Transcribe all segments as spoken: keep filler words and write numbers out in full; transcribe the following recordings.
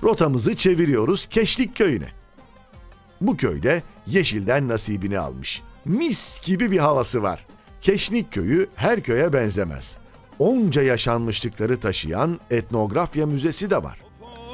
Rotamızı çeviriyoruz Keşlik Köyü'ne. Bu köyde yeşilden nasibini almış. Mis gibi bir havası var. Keşnik Köyü her köye benzemez. Onca yaşanmışlıkları taşıyan etnografya müzesi de var.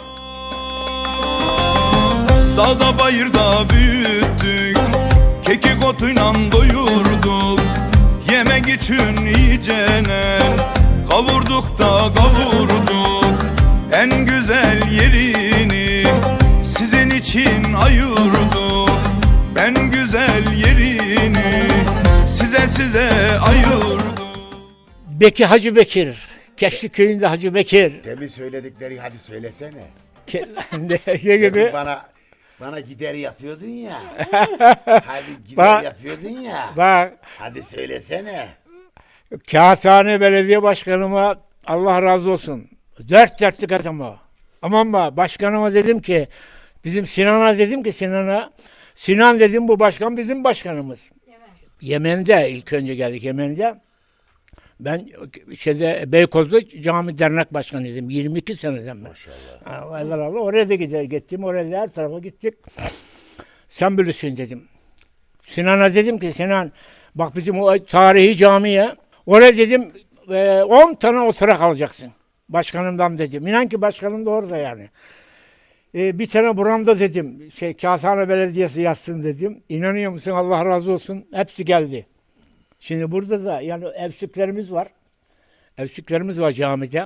Dağda bayırda büyüttük, kekik otuyla doyurduk. Yemek için iyicene kavurduk da kavurduk. En güzel yerini sizin için ayırdık. En güzel yerini size size ayırdık. Beki Hacı Bekir. Keşlik Köyü'nde Hacı Bekir. Demin söyledikleri hadi söylesene. Ke- ne, ne gibi? Demin bana bana gider yapıyordun ya. Hadi gider Bak- yapıyordun ya. Bak, Hadi söylesene. Kağıthane Belediye Başkanıma Allah razı olsun. Dört dörtlük adamı. Aman ba, başkanıma dedim ki, bizim Sinan'a dedim ki Sinan'a, Sinan dedim bu başkan bizim başkanımız. Evet. Yemen'de ilk önce geldik Yemen'de. Ben şeyde Beykoz'da cami dernek başkanıydım yirmi iki seneden beri. Maşallah. Allah Allah oraya da gider gittim oraya da her tarafa gittik. Sen bilirsin dedim. Sinan'a dedim ki Sinan bak bizim o tarihi camiye oraya dedim on tane oturak alacaksın. Başkanımdan dedim. İnan ki başkanım da orada yani. E, bir tane buramda dedim. Şey Kağıthane Belediyesi yazsın dedim. İnanıyor musun Allah razı olsun. Hepsi geldi. Şimdi burada da yani evsüklerimiz var. Evsüklerimiz var camide.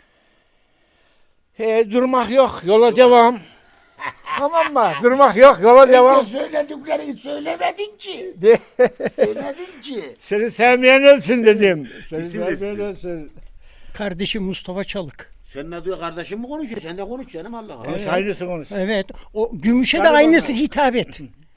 E, durmak yok. Yola devam. Tamam mı? Durmak yok. Yola devam. Önce söylediklerini söylemedin ki. Söylemedin ki. Seni sevmeyen ölsün dedim. Seni İsim de sevmeyen sizin. ölsün. Kardeşim Mustafa Çalık. Senin adı kardeşim mi konuşuyor? Sen de konuş canım Allah Allah. Konuş, aynısı konuş. Evet. O gümüşe de Galiba aynısı ben- hitap et.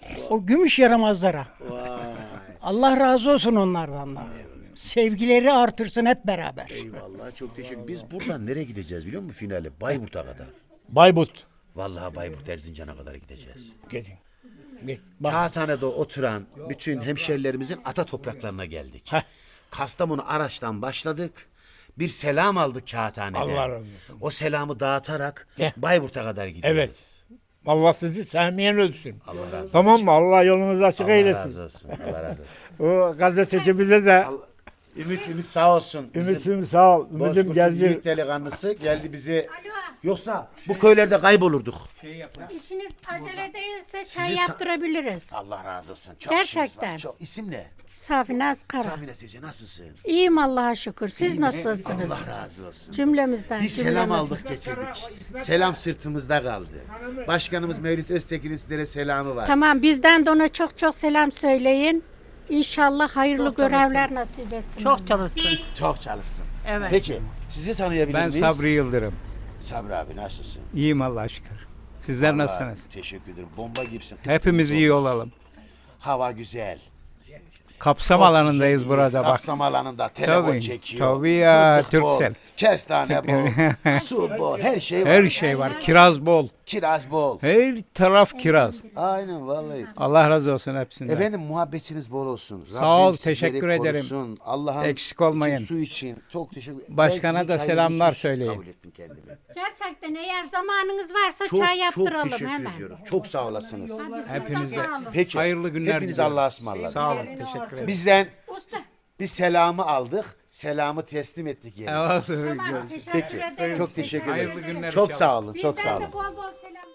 O gümüş yaramazlara. Vay. Allah razı olsun onlardan da. Sevgileri artırsın hep beraber. Eyvallah çok teşekkür. Biz buradan nereye gideceğiz biliyor musun finale? Bayburt'a kadar. Bayburt. Vallahi Bayburt Erzincan'a kadar gideceğiz. Gidin. Git. Bak. Kağıthane'de oturan bütün hemşerilerimizin ata topraklarına geldik. Heh. Kastamonu Araç'tan başladık. Bir selam aldık Kağıthane'de. Allah razı olsun. O selamı dağıtarak Heh. Bayburt'a kadar gidiyoruz. Evet. Allah sizi sevmeyen ölsün. Allah razı olsun. Tamam mı? Allah yolunuzu açık Allah eylesin. razı olsun. Allah razı olsun. O gazeteci bize de Ümit Ümit sağ olsun. Bizim Ümit'im sağ ol. Ümit'im Bozkurt'un geldi. yiğit delikanlısı geldi bize. Yoksa bu köylerde kaybolurduk. İşiniz acele değilse Sizi çay ta- yaptırabiliriz. Allah razı olsun. Çok Gerçekten. işiniz var, Çok. İsim ne? Safinaz Kara. Safine teyze nasılsın? İyiyim Allah'a şükür. Siz nasılsınız? Allah razı olsun. Cümlemizden. Bir selam cümlemizden. aldık getirdik. Selam sırtımızda kaldı. Başkanımız Mevlüt Öztekin'in sizlere selamı var. Tamam bizden de ona çok çok selam söyleyin. İnşallah hayırlı görevler nasip etsin. Çok çalışsın. Çok çalışsın. Evet. Peki sizi tanıyabilir Ben miyiz? Sabri Yıldırım. Sabri abi nasılsın? İyiyim Allah'a şükür. Sizler Allah, nasılsınız? Teşekkür ederim. Bomba gibisin. Hepimiz iyi olalım. Hava güzel. Kapsam Çok alanındayız iyi. burada bak. Kapsam alanında telefon Tabii, çekiyor. tabii ya, Fındık bol, Turkcell. Kestane bol, su bol, her şey var. Her şey var. Kiraz bol. Kiraz bol. Her taraf kiraz. Aynen vallahi. Allah razı olsun hepsinden. Efendim muhabbetiniz bol olsun. Sağ ol, Rabbim sizleri teşekkür ederim. korusun. Allah'ın Eksik olmayın. için, su için çok teşekkür ederim. Başkana Ben sizin da çayınızı selamlar hiç söyleyin. Kabul ettim kendimi. Gerçekten eğer zamanınız varsa Çok çay çok yaptıralım teşekkür hemen. ediyoruz. Çok sağ olasınız. Hepinize Peki. hayırlı günler Hepiniz diliyorum. Allah'a ısmarladık. Sağ olun. Teşekkür ederim. Bizden Usta. bir selamı aldık. Selamı teslim ettik yerine. Tamam, Peki. teşekkür ederiz. Çok teşekkür ederim. Hayırlı günler Çok inşallah. sağ olun. Çok Bizden sağ olun. de bol bol selam.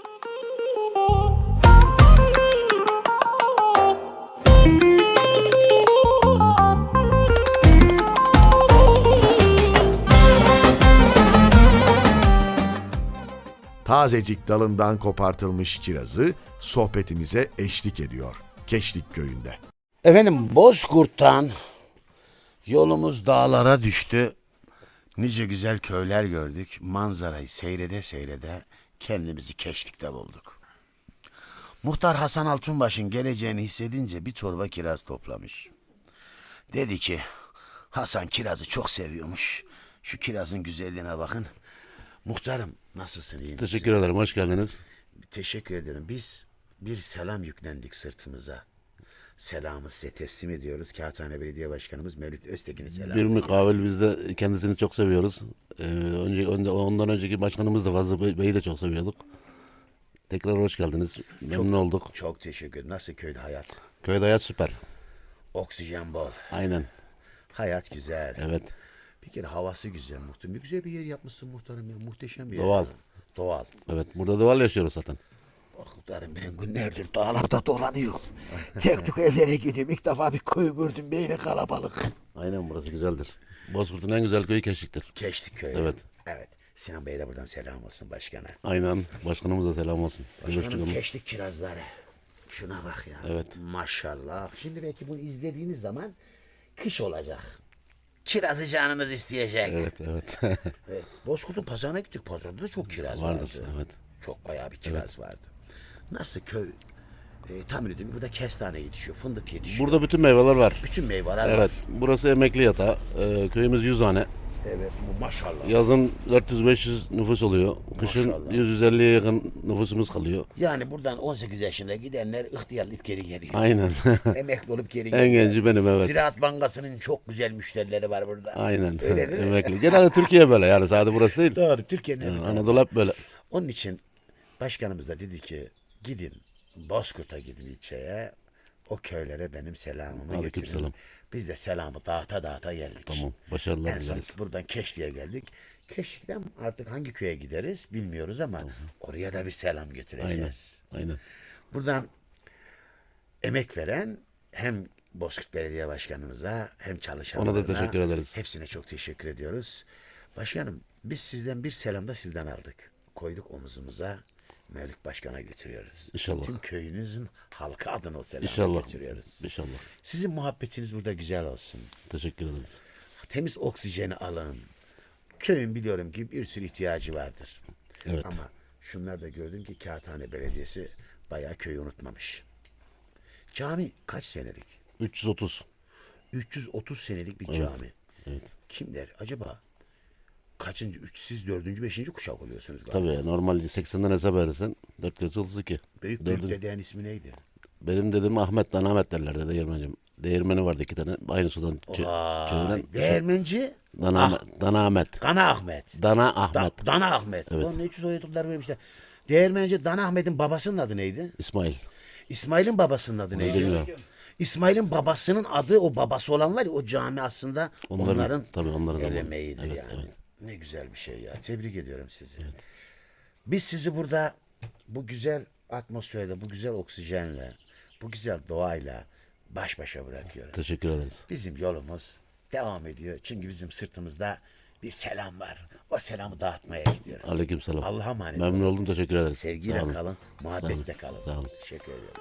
Tazecik dalından kopartılmış kirazı sohbetimize eşlik ediyor Keşlik Köyü'nde. Efendim Bozkurt'tan yolumuz dağlara düştü. Nice güzel köyler gördük. Manzarayı seyrede seyrede kendimizi Keşlik'te bulduk. Muhtar Hasan Altunbaş'ın geleceğini hissedince bir torba kiraz toplamış. Dedi ki Hasan kirazı çok seviyormuş. Şu kirazın güzelliğine bakın. Muhtarım nasılsın, iyi misin? Teşekkür ederim, hoş geldiniz. Teşekkür ederim. Biz bir selam yüklendik sırtımıza. selamı size teslim ediyoruz. Kağıthane Belediye Başkanımız Mevlüt Öztekin'i selam Bir ediyoruz. mukavele biz de kendisini çok seviyoruz. Ee, önce, önde- ondan önceki başkanımız da Fazıl Bey- Bey'i de çok seviyorduk. Tekrar hoş geldiniz. Memnun olduk. Çok teşekkür ederim. Nasıl köyde hayat? Köyde hayat süper. Oksijen bol. Aynen. Hayat güzel. Evet. Bir kere havası güzel muhtarım. Bir güzel bir yer yapmışsın muhtarım ya. Muhteşem bir yer. Doğal. Doğal. Evet. Burada doğal yaşıyoruz zaten. Muhtarım ben günlerdir dağlarda dolanıyorum. Tek tük evlere gidiyorum. İlk defa bir köy gördüm. Böyle kalabalık. Aynen, burası güzeldir. Bozkurt'un en güzel köyü Keşik'tir. Keştik köyü. Evet. Evet. Sinan Bey'e de buradan selam olsun başkana. Aynen. Başkanımıza selam olsun. Başkanım Görüştük. keştik kirazları. Şuna bak ya. Evet. Maşallah. Şimdi belki bunu izlediğiniz zaman kış olacak. Kirazı canınız isteyecek. Evet, evet. Evet. Bozkurt'un pazarına gittik. Pazarda da çok kiraz Vardır, vardı. evet. Çok bayağı bir kiraz vardı. Nasıl köy? E, tahmin ediyorum burada kestane yetişiyor, fındık yetişiyor. Burada bütün meyveler var. bütün meyveler Evet. var. Burası emekli yatağı. Ee, köyümüz yüz hane. Evet, bu maşallah. Yazın dört yüz beş yüz nüfus oluyor. Kışın Maşallah. yüz yüz elliye yakın nüfusumuz kalıyor. Yani buradan on sekiz yaşında gidenler ihtiyarlayıp geri geliyor. Aynen. Emekli olup geri En geliyor. genci benim, evet. Ziraat Bankası'nın çok güzel müşterileri var burada. Aynen. Öyle değil mi? Emekli. Genelde Türkiye böyle, yani sadece burası değil. Doğru, Türkiye'nin Yani evet. Anadolu hep böyle. Onun için başkanımız da dedi ki gidin Bozkurt'a gidin ilçeye. O köylere benim selamımı Aleyküm götürün. selam. Biz de selamı dağıta dağıta geldik. Tamam. Başarılar En son dileriz. buradan Keşli'ye geldik. Keşli'den artık hangi köye gideriz bilmiyoruz ama oraya da bir selam Aynen. götüreceğiz. Aynen. Buradan emek veren hem Bozkurt Belediye Başkanımıza hem çalışanlarına Ona da teşekkür ederiz. hepsine çok teşekkür ediyoruz. Başkanım biz sizden bir selam da sizden aldık. Koyduk omuzumuza. Mevlüt Başkan'a götürüyoruz. İnşallah. Tüm köyünüzün halkı adına o selamı İnşallah. götürüyoruz. İnşallah. Sizin muhabbetiniz burada güzel olsun. Teşekkür ederiz. Temiz oksijeni alın. Köyün biliyorum ki bir sürü ihtiyacı vardır. Evet. Ama şunlar da gördüm ki Kağıthane Belediyesi bayağı köyü unutmamış. Cami kaç senelik? üç yüz otuz. üç yüz otuz senelik bir Evet. cami. Evet. Kim der acaba? Kaçıncı? Üç, siz dördüncü, beşinci kuşak oluyorsunuz galiba. Tabii normal seksenden hesap edersen dört kere otuz iki. Büyük büyük Dördüncü- dedeğin ismi neydi? Benim dedim Ahmet, Dan Ahmet derlerdi değirmencim. Değirmeni vardı iki tane. Aynı sudan çe- Vay, çeviren. değirmenci Dana, Ah, Ahmet, Dana Ahmet. Dana Ahmet. Dana Da, Ahmet. Dana Ahmet. Evet. Onun için soyadlar vermişler. Değirmenci Dana Ahmet'in babasının adı neydi? İsmail. İsmail'in babasının adı neydi? Bilmiyorum. İsmail'in babasının adı, o babası olan var ya, o cami aslında Onların- onların, tabii onların el zamanı. emeğidir Evet, yani. evet. Ne güzel bir şey ya. Tebrik ediyorum sizi. Biz sizi burada bu güzel atmosferde, bu güzel oksijenle, bu güzel doğayla baş başa bırakıyoruz. Teşekkür ederiz. Bizim yolumuz devam ediyor. Çünkü bizim sırtımızda bir selam var. O selamı dağıtmaya gidiyoruz. Aleykümselam. Allah'a emanet Memnun olun. oldum, teşekkür ederiz. Sevgiyle Sağ olun. kalın, muhabbetle kalın. Sağ olun. Teşekkür ediyorum.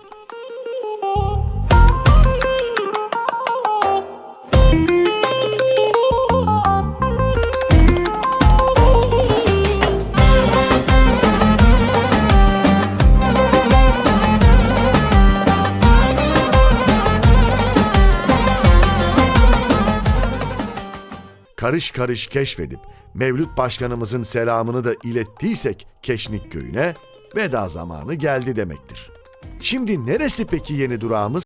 Karış karış keşfedip Mevlüt Başkanımızın selamını da ilettiysek Keşnik köyüne, veda zamanı geldi demektir. Şimdi neresi peki yeni durağımız?